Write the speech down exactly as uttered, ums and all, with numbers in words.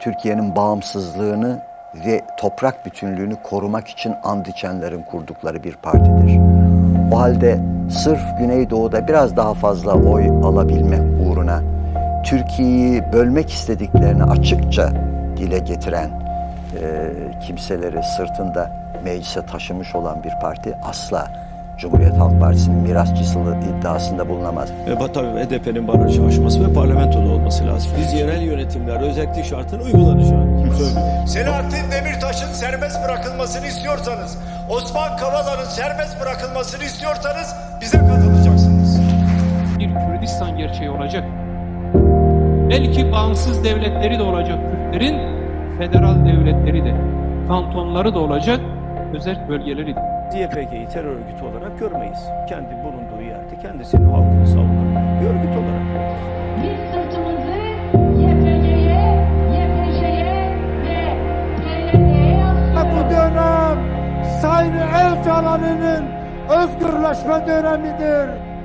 Türkiye'nin bağımsızlığını ve toprak bütünlüğünü korumak için and içenlerin kurdukları bir partidir. O halde sırf Güneydoğu'da biraz daha fazla oy alabilmek uğruna Türkiye'yi bölmek istediklerini açıkça dile getiren e, kimseleri sırtında meclise taşımış olan bir parti asla Cumhuriyet Halk Partisi'nin mirasçısı iddiasında bulunamaz. Ve tabii H D P'nin barajı aşması ve parlamentoda olması lazım. Biz yerel yönetimler özellik şartın uygulanacağını söylüyoruz. Selahattin Demirtaş'ın serbest bırakılmasını istiyorsanız, Osman Kavala'nın serbest bırakılmasını istiyorsanız bize katılacaksınız. Bir Kürdistan gerçeği olacak. Belki bağımsız devletleri de olacak Kürtlerin, federal devletleri de, kantonları da olacak, özel bölgeleri de. D P G'yi terör örgütü olarak görmeyiz. Kendi bulunduğu yerde kendisinin halkını savunan bir örgüt olarak görürüz. Biz sırtımızı Y P G'ye, Y P J'ye ve P Y D'ye yaslıyoruz. Bu dönem Sayın Öcalan'ın özgürleşme dönemidir.